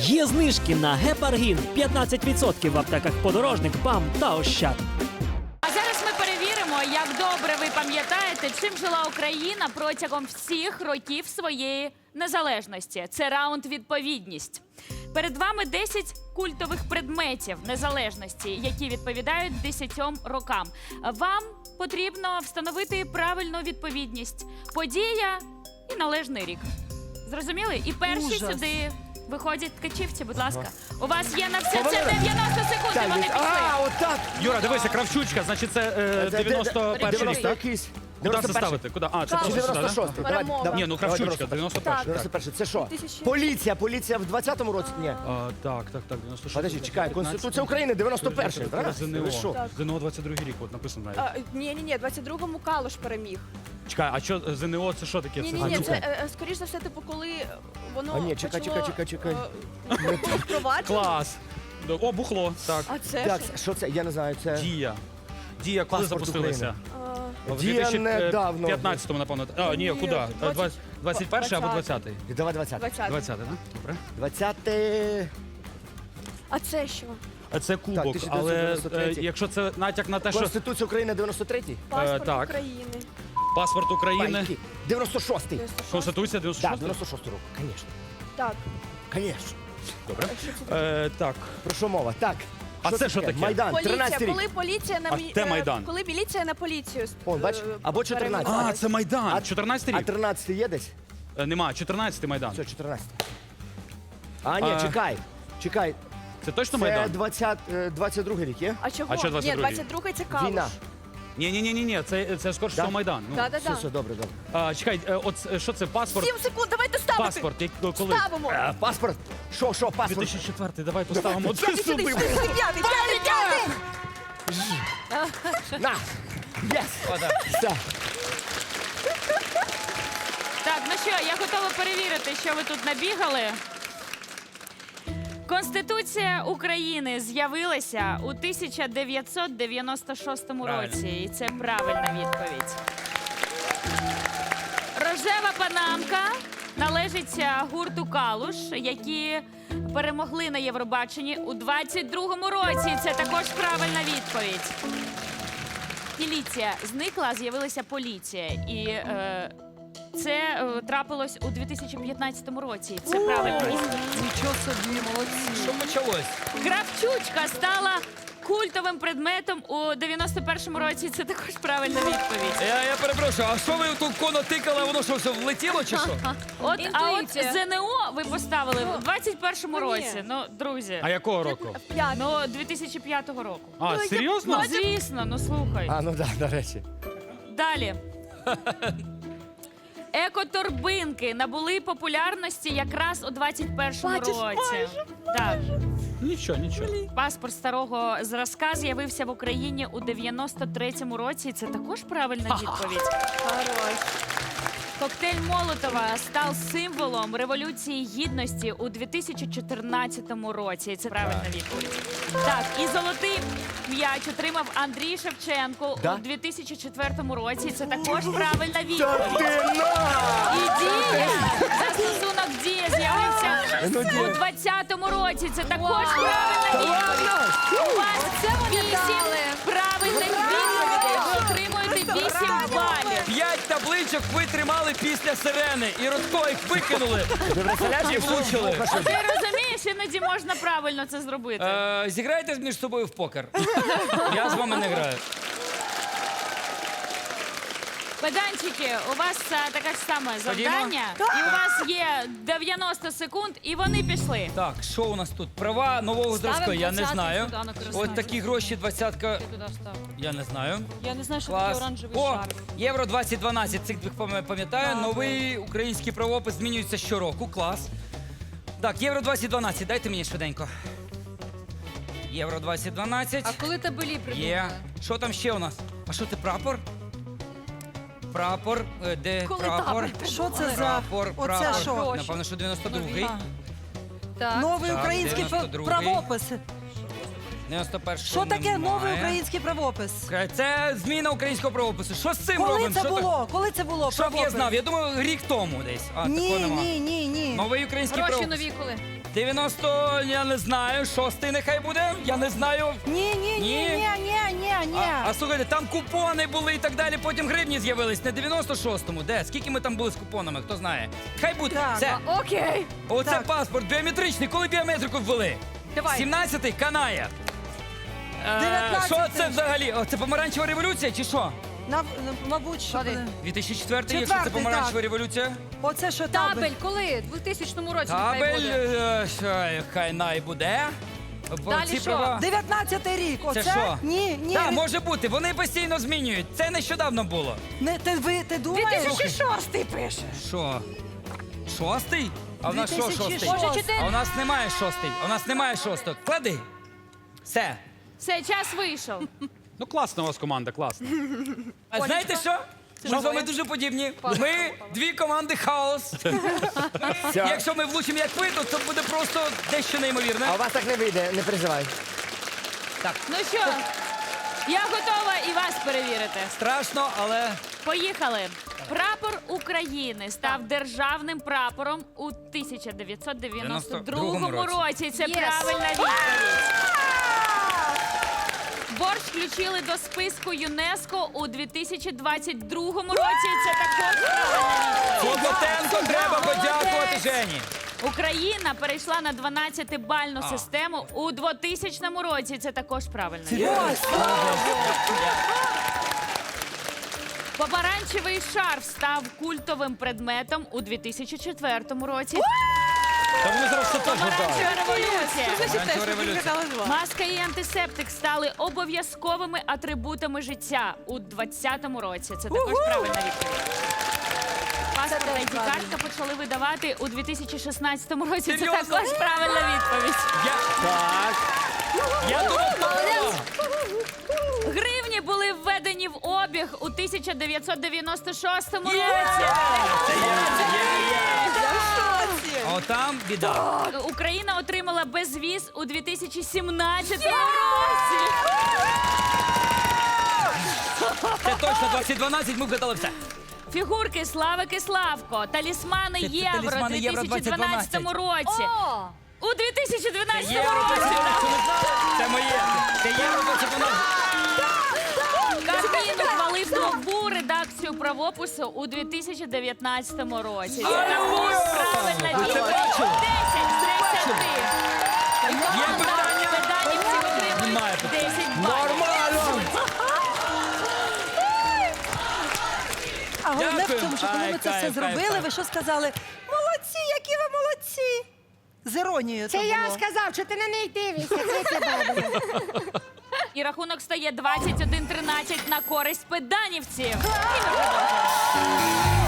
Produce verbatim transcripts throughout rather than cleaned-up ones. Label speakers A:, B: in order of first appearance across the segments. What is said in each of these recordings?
A: Є знижки на гепаргін п'ятнадцять відсотків в аптеках «Подорожник», «БАМ» та «Ощад».
B: А зараз ми перевіримо, як добре ви пам'ятаєте, чим жила Україна протягом всіх років своєї незалежності. Це раунд «Відповідність». Перед вами десять культових предметів незалежності, які відповідають десятьом рокам. Вам потрібно встановити правильну відповідність. Подія і належний рік. Зрозуміли? І перші
C: Ужас.
B: сюди виходять ткачівці, будь ласка. У вас є на все це дев'яносто секунд, і вони пішли.
D: А, отак.
E: Юра, дивися, Кравчучка, значить це е, дев'яносто перший рік, так?
D: Якийсь.
E: Куди це ставити? Куди? А, це
D: Чи
E: просто сюди,
D: дев'яносто
E: так?
D: шостий? Давай,
C: Перемога.
D: давай.
E: Ні, ну Кравчучка, дев'яносто перший. так.
D: дев'яносто перший. Це що? Поліція, поліція в двадцятому році? Ні.
E: А, так, так, так, дев'яносто шостий.
D: Подожди, чекай, Конституція України дев'яносто перший, правильно?
E: ЗНО.
D: Ви що?
E: ЗНО двадцять другий рік, от написано навіть.
C: А, ні, ні, ні, двадцять другому Калуш переміг.
E: Чекай, а що ЗНО це що таке?
C: Ні,
E: Це
C: ні, ні,
E: значить-
C: це е, е, скоріш за все, типу, коли воно
D: А, ні, чекай,
C: почало,
D: чекай, чекай,
C: е, було впроваджено.
E: Клас. О, бухло, так.
C: А це
D: Так,
C: що?
D: що це? Я не знаю, це...
E: Дія. Дія коли
D: Паспорт
E: запустилася?
C: А,
E: В
D: Дія недавно.
E: п'ятнадцятому, напевно. А, ні,
C: Ні,
E: куди?
C: двадцять-
E: двадцять перший або двадцятий?
D: Давай двадцятий.
C: двадцятий.
E: двадцятий, так? Добре.
D: двадцятий...
C: А це що?
E: А Це кубок,
D: тисяча
E: але
D: дев'ятсот дев'яносто
E: е,
D: третій.
E: якщо це натяк на те, що
D: Конституція України дев'яносто третій?
C: Паспорт
E: так.
C: України.
E: паспорт України,
D: Байки. дев'яносто шостий.
C: дев'яносто шостий.
E: Конституція
D: Так,
E: дев'яносто шостий?
D: дев'яносто шостий рок, звісно.
C: Так.
D: Звісно.
E: Добре.
C: А що це таке?
E: Е, так.
D: Про що мова? Так.
E: А це що таке?
D: Майдан,
C: Поліція,
D: тринадцятий рік.
C: коли поліція на
E: А
C: мі-
E: де
C: е,
E: Майдан?
C: Коли міліція на поліцію.
D: Он, бач?
C: е,
D: Або чотирнадцятий.
C: перейменувалась.
E: А, це Майдан.
D: А-
E: чотирнадцятий
D: А
E: рік?
D: тринадцятий є десь?
E: Е, Нема, чотирнадцятий Майдан.
D: Все, чотирнадцятий. А, ні,
E: А.
D: чекай. Чекай.
E: Це точно
D: Це
E: Майдан?
D: двадцять, е, двадцять другий рік є?
C: А чого?
E: А що
C: Ні,
E: двадцять другий?
C: двадцять другий це Калуш.
D: Війна.
E: Ні, ні, ні, ні, ні, це, це скорше
D: Да?
E: всього Майдан. Ну.
C: Да, да,
D: Все,
C: да.
D: все, добре, добре.
E: А, чекай, е, от е, що це, паспорт?
C: Сім секунд, давайте ставити.
E: Паспорт, як, коли?
C: Ставимо.
D: Е, Паспорт. Що, що, паспорт?
E: дві тисячі четвертий, давай поставимо
C: П'ятий
E: це
C: сюди,
E: сюди.
C: сюди, сюди, п'ятий, п'ятий, п'ятий.
D: На. Єс. Все.
B: Так, ну що, я готова перевірити, що ви тут набігали. Конституція України з'явилася у тисяча дев'ятсот дев'яносто шостому
E: Правильно.
B: році. І це правильна відповідь. Рожева панамка належить е, гурту «Калуш», які перемогли на Євробаченні у двадцять другому році. Це також правильна відповідь. Міліція зникла, а з'явилася поліція. І е, це е, трапилось у дві тисячі п'ятнадцятому році. Це правильна відповідь.
C: Нічого собі, молодці.
E: Що почалось?
B: Кравчучка стала культовим предметом у дев'яносто першому році. Це також правильна відповідь.
F: Я, я перепрошую, а що ви тут коно тикали, воно що, все влетіло чи що?
B: От, а от
C: Інтуїція.
B: ЗНО ви поставили у двадцять першому
C: Ну, ні.
B: році. Ну, друзі,
E: А якого року?
C: П'ятий.
B: ну дві тисячі п'ятого року.
E: А, серйозно?
B: Ну, звісно, ну слухай.
D: А, ну да, до речі.
B: Далі. Екоторбинки набули популярності якраз у двадцять першому
C: Бачиш,
B: році. Так.
E: Нічого, нічого.
B: Паспорт старого зразка з'явився в Україні у дев'яносто третьому році. І це також правильна відповідь.
C: Хорош.
B: Коктейль Молотова став символом Революції Гідності у дві тисячі чотирнадцятому році. І це правильна відповідь. Так, і золотий м'яч отримав Андрій Шевченко
D: Да?
B: у дві тисячі четвертому році. І це також правильна
D: Та
B: відповідь.
D: ти на!
B: І дія, застосунок дія з'явився
D: Ну, Дія.
B: у двадцятому році. Це також правильна відповідь. У вас вісім правильних відповідей. Ви отримуєте вісім балів.
F: П'ять табличок ви тримали після сирени, і Рудко їх викинули.
D: Ви представляєш,
F: І
D: як
F: влучили.
B: А ти розумієш, іноді можна правильно це зробити.
F: Е, зіграйте між собою в покер. Я з вами не граю.
B: Педанчики, у вас е, таке ж саме
F: Ходімо.
B: завдання. І у вас є дев'яносто секунд, і вони пішли.
F: Так, що у нас тут? Права нового зразку, я не знаю. Ось такі гроші, двадцятка, я не знаю.
B: Я не знаю, що
F: Клас.
B: таке оранжевий
F: О,
B: шар.
F: Євро двадцять дванадцять, цих двох пам- пам'ятаю. Новий український правопис змінюється щороку. Клас. Так, Євро двадцять дванадцять, дайте мені швиденько. Євро двадцять дванадцять.
G: А коли табелі придумали?
F: Є. Що там ще у нас? А що це прапор? Прапор, е, де
C: Коли
F: прапор?
C: табель
H: Що це за
F: Прапор,
H: оце
F: прапор.
H: що?
F: Напевно, що дев'яносто другий.
G: Так.
H: Новий
F: Так,
H: український
F: дев'яносто
H: пра-
F: другий.
H: правопис.
F: дев'яносто перший.
H: Що таке новий український правопис?
F: Це зміна українського правопису. Що з цим
H: Коли
F: робимо?
H: це
F: Що так-
H: було? Коли це було?
F: Щоб я
H: правопис?
F: знав, я думаю, рік тому десь. А, такого
H: Ні,
F: нема.
H: ні, ні, ні.
F: Новий український
G: Гроші
F: правопис.
G: нові коли?
F: дев'яносто, я не знаю, шостий нехай буде, я не знаю.
H: Ні, ні, ні,
F: Ні.
H: ні, ні, ні, ні.
F: А, а слухайте, там купони були і так далі, потім гривні з'явились. Не дев'яносто шостому, де? Скільки ми там були з купонами, хто знає? Хай буде.
H: Так.
F: Все.
G: Окей.
F: Оце
H: Так.
F: паспорт біометричний, коли біометрику ввели?
G: Давай.
F: сімнадцятий канає. Е,
H: дев'ятнадцятий.
F: Що це взагалі? О, це помаранчева революція чи що?
H: Нав- Мабуть, що буде.
F: дві тисячі четвертий, якщо це
H: Четвертий,
F: помаранчева
H: так.
F: революція.
H: Оце що табель.
G: Табель, коли? У двохтисячному році нехай
F: Табель,
G: буде.
F: е, що, хай най буде.
G: Далі
F: Ці
G: що?
F: права.
H: дев'ятнадцятий рік. Оце?
F: Це що?
H: Ні, ні.
F: Так,
H: від-
F: може бути, вони постійно змінюють. Це нещодавно було.
H: Не, ти, ви, ти думаєш?
G: дві тисячі шостий пише.
F: Що? Шостий? А в нас що
H: дві тисячі
F: шостий?
H: шостий.
G: Може, чотири?
F: А у нас немає шостий. У нас немає шостого. Клади. Все.
B: Все, час вийшов.
E: Ну класна у вас команда, класна.
F: А знаєте що? Ми з вами дуже подібні. Ми дві команди хаос. Якщо ми влучимо як ви, то це буде просто дещо неймовірне.
D: А у вас так не вийде, не переживай.
B: Ну що, я готова і вас перевірити.
F: Страшно, але
B: Поїхали. Прапор України став державним прапором у тисяча дев'ятсот дев'яносто другому
F: році.
B: році. Це
G: Єс.
B: правильна відповідь. Борщ включили до списку ЮНЕСКО у дві тисячі двадцять другому році. Це також правильна відповідь.
F: Клопотенко треба подякувати Жені.
B: Україна перейшла на дванадцятибальну систему у двотисячному році. Це також правильна відповідь. Помаранчевий шарф став культовим предметом у дві тисячі четвертому році.
E: Та вони зараз все теж гадають.
B: Помаранчева революція.
F: Помаранчева революція.
B: Маска і антисептик стали обов'язковими атрибутами життя у двадцятому році. Це також правильна відповідь. Паспорт та ай ді-картка почали видавати у дві тисячі шістнадцятому році. Це
F: Серйозно?
B: також правильна відповідь.
F: Я,
D: Так.
F: я думав,
B: Гривні були введені в обіг у тисяча дев'ятсот дев'яносто шостому році.
F: Є! Це є, це є, є. А отам біда.
B: Україна отримала безвіз у дві тисячі сімнадцятому році.
F: Це точно двадцять дванадцять, ми вгадали все.
B: Фігурки Славик і Славко, талісмани
F: Це- це
B: Євро у
F: талісмани Євро
B: дві тисячі дванадцятому році.
G: О!
B: У дві тисячі дванадцятому
F: Євро
B: році.
F: двадцять
B: так.
F: дванадцять. Це моє. Це євро двадцять дванадцять.
B: Кабмін ухвалив нову редакцію правопису у дві тисячі дев'ятнадцятому році. Це також правильна
F: Ви це
B: відповідь.
F: бачили?
B: десять з десяти.
F: Є питання?
B: Педанівці отримують
F: Немає питань.
B: десять балів.
D: Нормально.
H: А головне в
F: Дякую.
H: тому, що коли
F: Ай,
H: ми це
F: кайф,
H: все
F: кайф,
H: зробили,
F: кайф.
H: ви що сказали? Молодці, які ви молодці! З іронією
C: Це
H: то
C: я
H: було.
C: сказав, що ти на неї дивишся. Це тебе.
B: І рахунок стає двадцять один тринадцять на користь педанівців. І ми продовжуємо.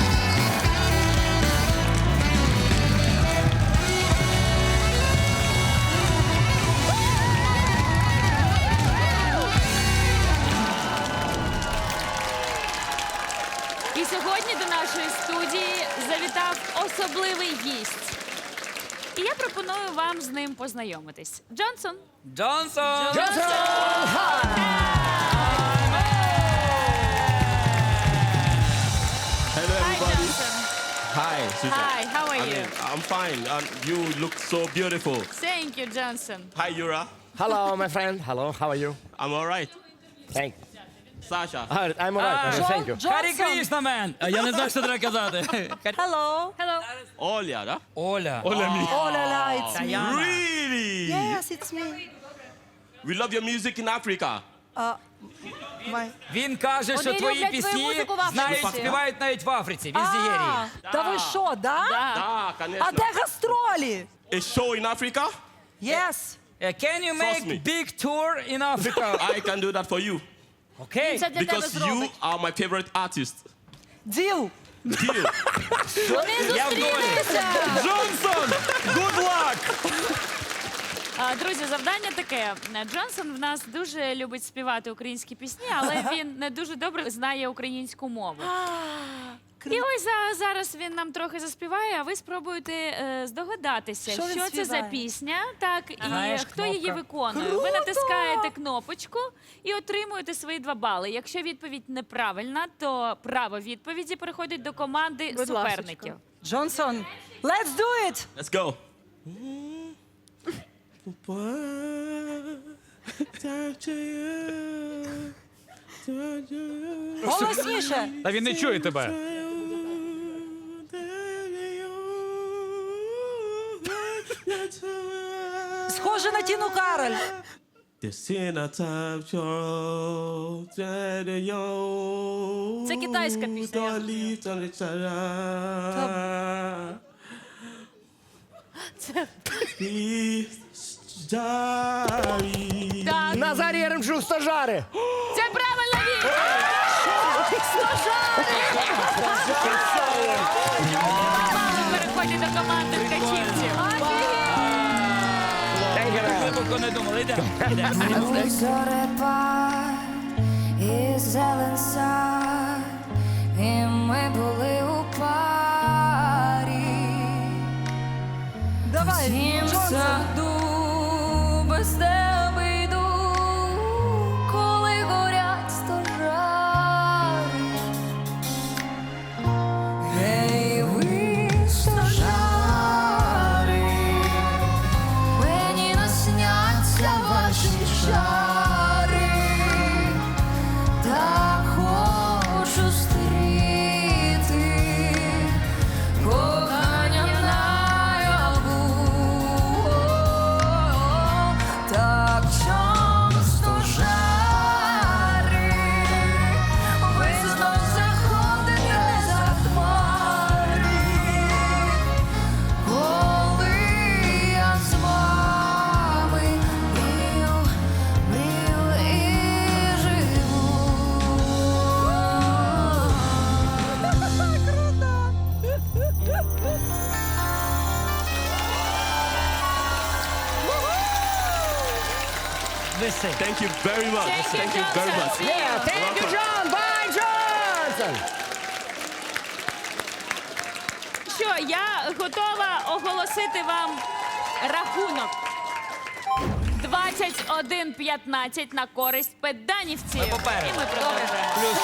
B: І сьогодні до нашої студії завітав особливий гість. І я пропоную вам з ним познайомитись. Джонсон.
F: Джонсон!
I: Hello,
B: Hi,
I: everybody.
B: Johnson.
I: Hi, Susan.
B: Hi, how are
I: I
B: you?
I: mean, I'm fine. Um, you look so beautiful.
B: Thank you, Johnson.
I: Hi, Yura.
D: Hello, my friend. Hello, how are you?
I: I'm all right.
D: Thank
I: Sasha.
D: Ah, I'm alright.
F: Ah.
D: Thank you.
F: Харі Крішна, мен! А я не знаю, що треба казати.
H: Hello.
B: Hello.
I: Olia, да?
F: Оля.
I: Olia me.
H: Оля Лайц.
F: Таяна.
I: Really?
H: Yes, it's me.
I: We love your music in Africa.
H: А, my...
F: Він каже, що
G: Вони
F: твої
G: люблять твою
F: пісні
G: музику в Африці.
F: знають, співають навіть в Африці. Він з Нігерії.
H: А, та ви що, да?
I: Ah,
H: А
I: конечно.
H: де гастролі?
I: A show in Africa?
H: Yes.
F: Uh, Can you
I: Trust me.
F: make big tour in Africa?
I: I can do that for you.
F: Окей.
B: Це для тебе
I: Because you
B: зробить.
I: are my favorite artist.
H: Діл.
I: Deal.
F: Я в долі.
E: Джонсон! Good luck!
B: А, друзі, завдання таке. Джонсон в нас дуже любить співати українські пісні, але він не дуже добре знає українську мову. І ось за- зараз він нам трохи заспіває, а ви спробуєте е, здогадатися,
H: Що
B: що,
H: він
B: це за
H: співає?
B: пісня, так, і
F: Знаєш,
B: хто її
F: кнопка.
B: виконує. Ви натискаєте кнопочку і отримуєте свої два бали. Якщо відповідь неправильна, то право відповіді переходить до команди
H: Будь
B: суперників.
H: ласочка. Джонсон, let's do it!
I: Let's go.
H: Голосніше.
E: Та він не чує тебе.
H: Схоже на Тіну Кароль.
B: Це китайська пісня. Так,
D: Назарій Яремчук, стажари.
B: це правильна відповідь. Мало переходить до команди ткачівців.
F: Глибоко не думали. Йдемо.
J: Зорепад і зелен сад, і ми були у парі.
H: Давай,
J: Тім
H: Джонсон.
J: саду без тебе йду, коли горять стожари. Гей, ви стожари, мені насняться ваші чари, так хочу зустріти кохання наяву. Так часто жари, ви знов заходите за хмари, коли я з вами мрію, мрію і живу.
F: Виси.
I: Thank you very much.
B: Thank you,
I: Thank you very
B: Johnson.
I: much.
B: See you.
D: Thank you, John. Bye, Johnson.
B: Що, я готова оголосити вам рахунок. двадцять один п'ятнадцять на користь педанівців.
F: Ми попереду.
B: І ми продовжуємо.
F: Плюс